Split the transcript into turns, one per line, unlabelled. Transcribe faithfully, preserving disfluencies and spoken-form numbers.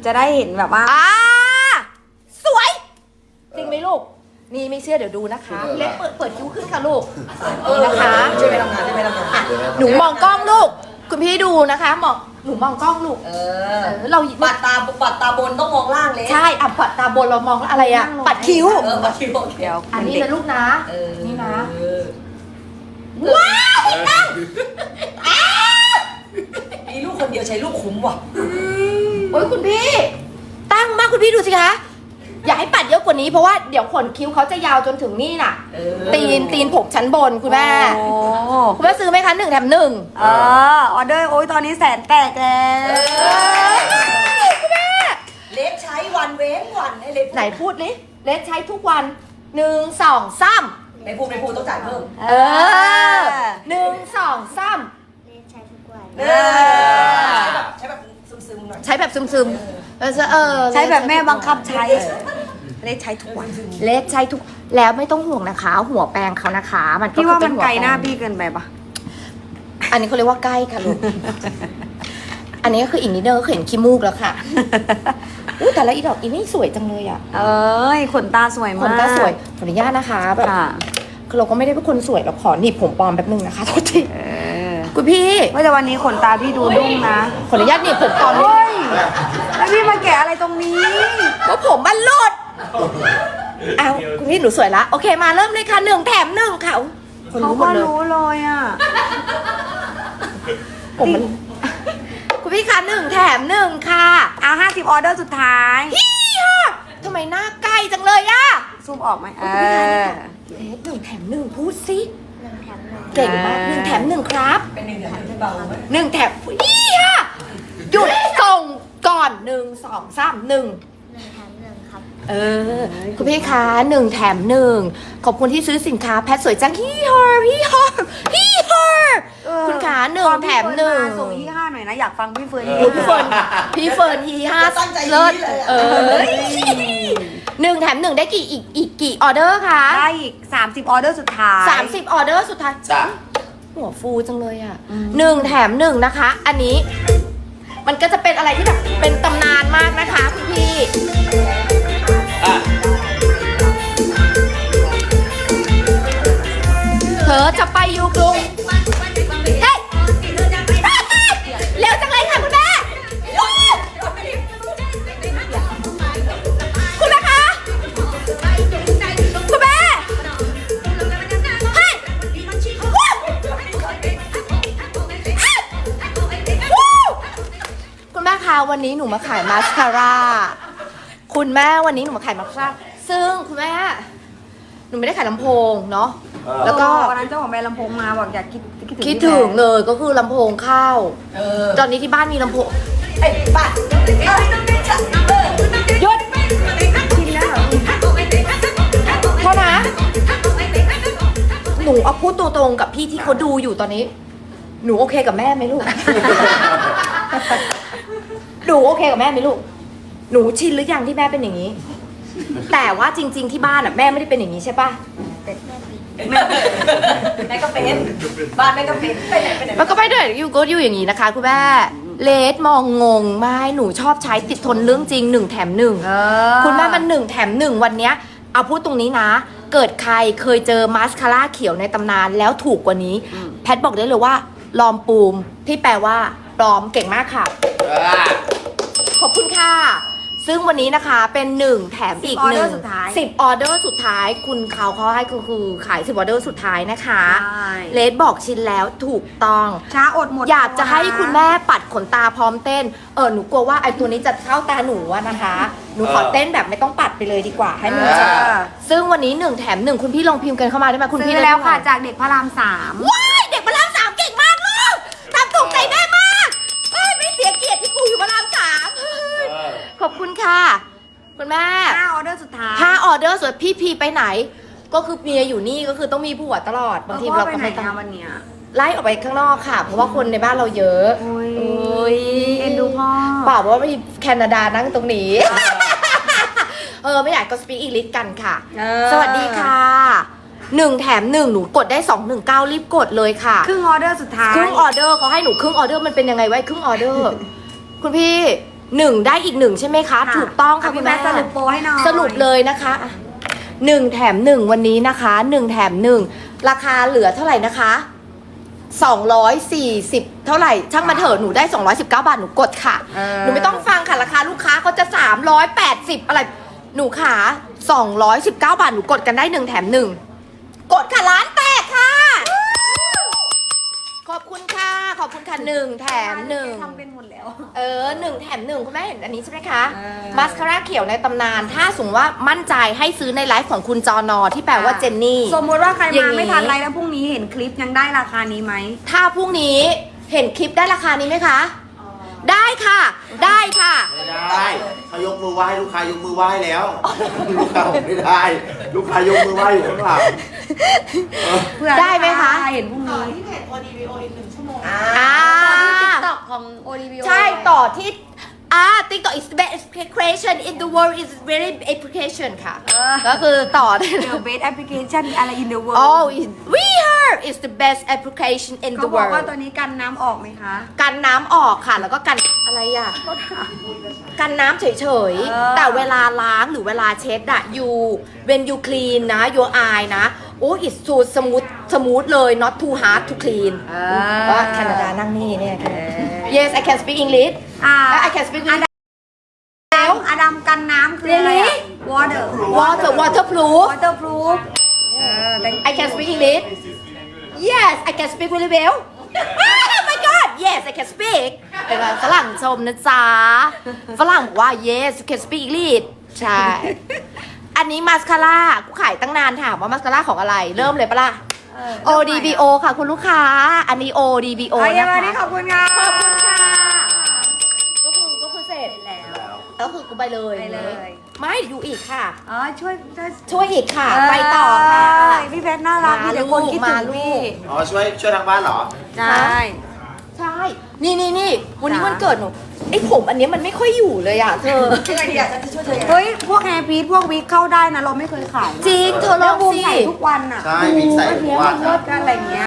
จะได้เห็นแบบว่า
อ่าสวยจริงไหมลูกนี่ไม่เชื่อเดี๋ยวดูนะคะเล็กเปิดเปิดคิ้วขึ้นค่ะลูกนี่นะคะ
ช่วยไปทำงานช่วยไปทำงาน
หนูมองกล้องลูกคุณพี่ดูนะคะมองหนูมองกล้องลูก
เอ
เอ
อ
อเรา
ปัดตาปัดตาบนต้องมองล่างเลย
ใช่อ่ะปัดตาบนเรามองอะไรอ่ะปัดคิ้ว
เออปัดคิ้วโอเค
เดี๋ยว
อันนี้นะลูกนะ
เออ
นี่นะ
เออ
ว้าวตั้ง
มีลูกคนเดียวใช้ลูกคุ้มว่ะ
โอ้ยคุณพี่ตั้งมากคุณพี่ดูสิคะอย่าให้ปัดเยอะกว่านี้เพราะว่าเดี๋ยวขนคิ้วเขาจะยาวจนถึงนี่น่ะ
เออ
ตีนตีนผมชั้นบนคุณแม่
โอ้
คุณแม่ซื้อไหมคะหนึ่งแถมหนึ่ง
เออออเดอร์โอ้ยตอนนี้แสนแตกแล้ว
คุณแม่
เล็กใช้วันเว้นวันให้เล็ก
ไหนพูดดิเลสใช้ทุกวันหนึ่งสองสาม
ไม่พูดไม่พูดต้องจ่ายเพิ่ม
เออหนึ่งสองสาม
เออใช้แบบใช้แบบซึมๆหน่อย
ใช้แบบซึมๆเออเออ
ใช้แบบแม่บังคับใช้เลขใช้ทุกวัน
เลสใช้ทุกแล้วไม่ต้องห่วงนะคะ หัวแปรงเขานะคะ มันก็
พี่ว่า
คือ
มัน
เป็
ไกลหน้า
หัวแปรง
พี่เกินไปปะ
อันนี้เขาเรียกว่าใกล้ค่ะลูก อันนี้ก็คืออีกนิดเดียวก็เห็นขี้มูกแล้วค่ะอู้แต่ละอีดอกอีนี่สวยจังเลยอ่ะ
เอ้ยขนตาสวย
ข
มาก
นตาสวยขออนุญาตนะคะแบบ
ค่ะ
คือเราก็ไม่ได้เป็นคนสวยเราขอหนีบผมปลอมแป๊บนึงนะคะโทษที
เออ
คุณพี่
ว่าแต่วันนี้ขนตาพี่ดูดุ้งนะ
ขออนุญาตหนีบผมปลอมนิด
เฮ้
นึง
ยแล้วพี่มาแกะอะไรตรงนี้
ว่าผมมันหลุดอ้าวคุณพี่หนูสวยละโอเคมาเริ่มเลยค่ะหนึ่งแถมหนึ่งค่ะคน
เขา
รู้หม
ก็
ดเลย
รู้เลยอ่ะ
ผมมัน คุณพี่คะหนึ่งแถมหนึ่งค่ะ
เอาห้าสิบออเดอร์สุดท้าย
พี่ค่ะทำไมหน้าใกล้จังเลยอะ
ซูมออกไหมเออ
เลสหนึ่งแถมหนึ่งพูดสิเก่งมากหนึ่งแถมหนึ่งครับ
เป็นหนึ่งอย่างที่เบาไหม
หนึ่งแถมพี่ค่ะหยุดส่งก่อนหนึ่งสองสามหนึ่งเออคุณพี่คะหนึ่งแถมหนึ่งขอบคุณที่ซื้อสินค้าแพทสวยจังพี่ฮอร์พี่ฮอร์พี่ฮอร์
เออ
คุณขาหนึ่ง
ตอ
แถมหนึ่ง
พี่เฟิร์มาส่งยี่ห้าหน่อยนะอยากฟังพี่เฟิร์น
โอ้พี่เฟิร์นพี่เฟิร์นทีห้า
ตั้งใจ
เลิศ
นี้เลยอะ
เออหนึ่งแถมหนึ่งได้กี่อีกอีกกี่ออเดอร์คะ
ได้อีกสามสิบออเดอร์สุดท้าย
สามสิบออเดอร์สุดท้าย
จ้ะ
หัวฟูจังเลยอ่ะหนึ่งแถมหนึ่งนะคะ อันนี้ มันก็จะเป็นอะไรที่แบบเป็นตำนานมากนะคะคุณพี่
อ่ะ
เธอจะไปอยู่กรุงเฮ้ยเร็วจังเลยค่ะคุณแม่วู้คุณแม่คะคุณแม่เฮ้ยวู้วู้คุณแม่คะวันนี้หนูมาขายมาสคาร่าคุณแม่วันนี้หนูมาขายมาสคาร่าซึ่งคุณแม่หนูไม่ได้ขายลำโพงเนาะแล้วก็
วันนั้นเจ้าของแบรนด์ลำโพงมาบอกอยากคิดคิดถึง
คิดถึงเลยก็คือลำโพงเข้า
เออ
ตอนนี้ที่บ้านมีลำโพง
ไอ้ป้าเออ
หยุด
กินแล้วเหรอ
โทษนะ หนูเอาพูดตัวตรงกับพี่ที่เขาดูอยู่ตอนนี้ หนูโอเคกับแม่ไหมลูก หนูโอเคกับแม่ไหมลูก หนูชินหรือยังที่แม่เป็นอย่างนี้ แต่ว่าจริง ๆที่บ้านอ่ะแม่ไม่ได้เป็นอย่างนี้ใช่ปะ
แม่ก็เป็นบ้านแม่ก็เป็นไปไหนไปไหน
มันก็ไม่ได้อยู่ก็อยู่อย่างนี้นะคะคุณแม่เลสมองงงไม่หนูชอบใช้ติดทนเรื่องจริงหนึ่งแถมหนึ่ง
เออ
คุณแม่มันหนึ่งแถมหนึ่งวันเนี้ยเอาพูดตรงนี้นะ เกิดใครเคยเจอมาสคาร่าเขียวในตำนานแล้วถูกกว่านี้ แพทบอกได้เลยว่าลอมปูมที่แปลว่าปลอมเก่งมากค่ะ
อ่ะ
ขอบคุณค่ะ ซึ่งวันนี้นะคะเป็นหนึ่งแถมอีกหนึ่งสิบออเดอร์สุดท้ายคุณเขาเขาให้คือคือขายสิบออเดอร์สุดท้ายนะคะ
ใช่
เลสบอกชิ้นแล้วถูกต้อง
ช้าอดหมด
อยากจะให้คุณแม่ปัดขนตาพร้อมเต้น เออหนูกลัวว่าไอ้ตัวนี้จะเข้าตาหนูอะนะคะ หนูขอเต้นแบบไม่ต้องปัดไปเลยดีกว่าให้มัน
เอ
จะ
อ
ซึ่งวันนี้หนึ่งแถมหนึ่งคุณพี่ลองพิมพ์กันเข้ามาได้ไหมคุณ
ซื้
พี่
อ
ได้
แล้วค่ะ
เท่าไหร่
จากเด็กพระรามสาม
ว้ายเด็กพระรามสามเก่งมากลูกทำถูกใจแม่มากเอ้ยไม่เสียเกียรติที่กูอยู่พระรามสามเฮ้ย
เออ
ขอบคุณค่ะคุณแม่
ห้าออเดอร์สุดท้าย
ถ้าออเดอร์ส่วนพี่พีไปไหน ก็คือเมียอยู่นี่ก็คือต้องมีผัวตลอดบางที
เออ
เรา
พ่อ
ก็
ไปไหน
ไม่ต้อง
อะวันเนี้ย
ไล่ออกไปข้างนอกค่ะ เพราะว่าคนในบ้านเราเยอะ
โอ้ย
โอ้ย
เอ็นดูพ่อ
เปล่าเพราะว่ามีแคนาดานั่งตรงนี้ เออไม่อยากก็สปีกอีลิสกันค่ะ
เออ
สวัสดีค่ะหนึ่งแถมหนึ่งหนูกดได้สองหนึ่งเก้ารีบกดเลยค่ะ
ครึ่งออเดอร์สุดท้าย
ครึ่งออเดอร์เขาให้หนูครึ่งออเดอร์มันเป็นยังไงไว้ครึ่งออเดอร์ คุณพี่หนึ่งได้อีกหนึ่งใช่ไหมคะ ถูกต้องค่ะ
ะ
คุ
พี่
ณ
แม่
แม่
สรุปโปรให้หน่อย
สรุปเลยนะคะหนึ่งแถมหนึ่งวันนี้นะคะหนึ่งแถมหนึ่งราคาเหลือเท่าไหร่นะคะสองร้อยสี่สิบเท่าไหร่ช่างมันเถอะหนูได้สองร้อยสิบเก้าบาทหนูกดค่ะ
เออ
หนูไม่ต้องฟังค่ะราคาลูกค้าเขาจะสามร้อยแปดสิบอะไรหนูขาสองร้อยสิบเก้าบาทหนูกดกันได้หนึ่งแถมหนึ่งกดค่ะร้านแตกค่ะ ขอบคุณค่ะขอบคุณค่ะหนึ่งแถมหนึ่ง
ทำเป็นหมดแล้ว
เออหนึ่งแถมหนึ่งคุณแม่เห็นอันนี้ใช่ไหมคะ
เออ
มาสคาร่าเขียวในตำนาน ถ้าสมมติว่ามั่นใจให้ซื้อในไลฟ์ของคุณจอนอที่แปลว่าเจนนี่
สมมติว่าใคร
อย่าม
าง
นี้
ไม่ทันไรแล้วพรุ่งนี้เห็นคลิปยังได้ราคานี้ไหม
ถ้าพรุ่งนี้เห็นคลิปได้ราคานี้ไหมคะ ได้ค่ะ ได้ค่ะ
ไม่ได้เขายกมือไหว้ลูกค้ายกมือไหว้แล้ว ลูกค้าบอกไม่ได้ ลูกค้ายกมือไหว้อยู่ข้างหลัง
เพื่อ
ได้ไหมคะ
เห็นพรุ่งนี้
อ่า
ติ๊กต็อกของ โอ ดี บี โอ
ใช่ต่อที่อ่า TikTok is the best application in the world is very application ค่ะ
เออ
ก็คือต่อได้เล
The
ย
best application อะไร in the world
Oh is- we heard is the best application in
เขา
the
บอกว่า
world
ตัวนี้กันน้ำออกไหมคะ
กันน้ำออกค่ะ แล้วก็กันอะไรอ่ะ กันน้ำเฉย
เออ
ๆ แต่เวลาล้างหรือเวลาเช็ดอะ you when you clean นะ your eye นะ โอ้ it's so smooth smooth เลย not too hard to clean ก็แคนาดานั่งนี่เนี่ย yes I can speak English
อ่า
I can speak English
แล้วอดัมกันน้ำคืออะไรอะ water
water waterproof
waterproof เออ
I can speak English yes I can speak really well oh my god yes I can speak เป็นไงฝรั่งชมนะจ๊ะ ฝรั่งบอกว่า yes you can speak English ใช่ อันนี้มาสคาร่ากูขายตั้งนานถามว่ามาสคาร่าของอะไร เริ่มเลยปะล่ะ โอ ดี บี โอ ค่ะคุณลูกค้า อันนี้ โอ ดี บี โอ
โอ้ย
นะ
วันนี้
คะ
ขอบคุณค่ะ
ขอบคุณค่ะ ก็คือก็คือเสร็จ
แล้ว
ก็คือกูไปเลย
ไปเลย
ไม่อยู่อีกค่ะ
อ๋อช่วยช่วย
ช่วยอีกค่ะ ไปต่อค่ะ
เอ้ยพี่แพทน่ารัก
มา
มีแต่คนคิด
ลู
ถึ
ก
ง
มาลู
พี่
ก
อ๋อช่วยช่วยทางบ้านเหรอ
ใช่
ใช่ นี่นี่นี่วันนี้
จ้ะ
วันเกิดหนูไอ้ผมอันเนี้ยมันไม่ค่อยอยู่เลยอ่ะเธอ
ยังไงดีอ่ะฉันจะช่วยเธอยังไง
เฮ้ย พวกแฮร์พีทพวกวิกเข้าได้นะ เราไม่เคยขายนะ
จริงเธอล
แล้
อ
ว
ง
บูม
สิ
ใส่ทุกวันอ่ะ
ใช่มีใส่ทุกวัน
เลิศกันอะไรอย่างเงี้ย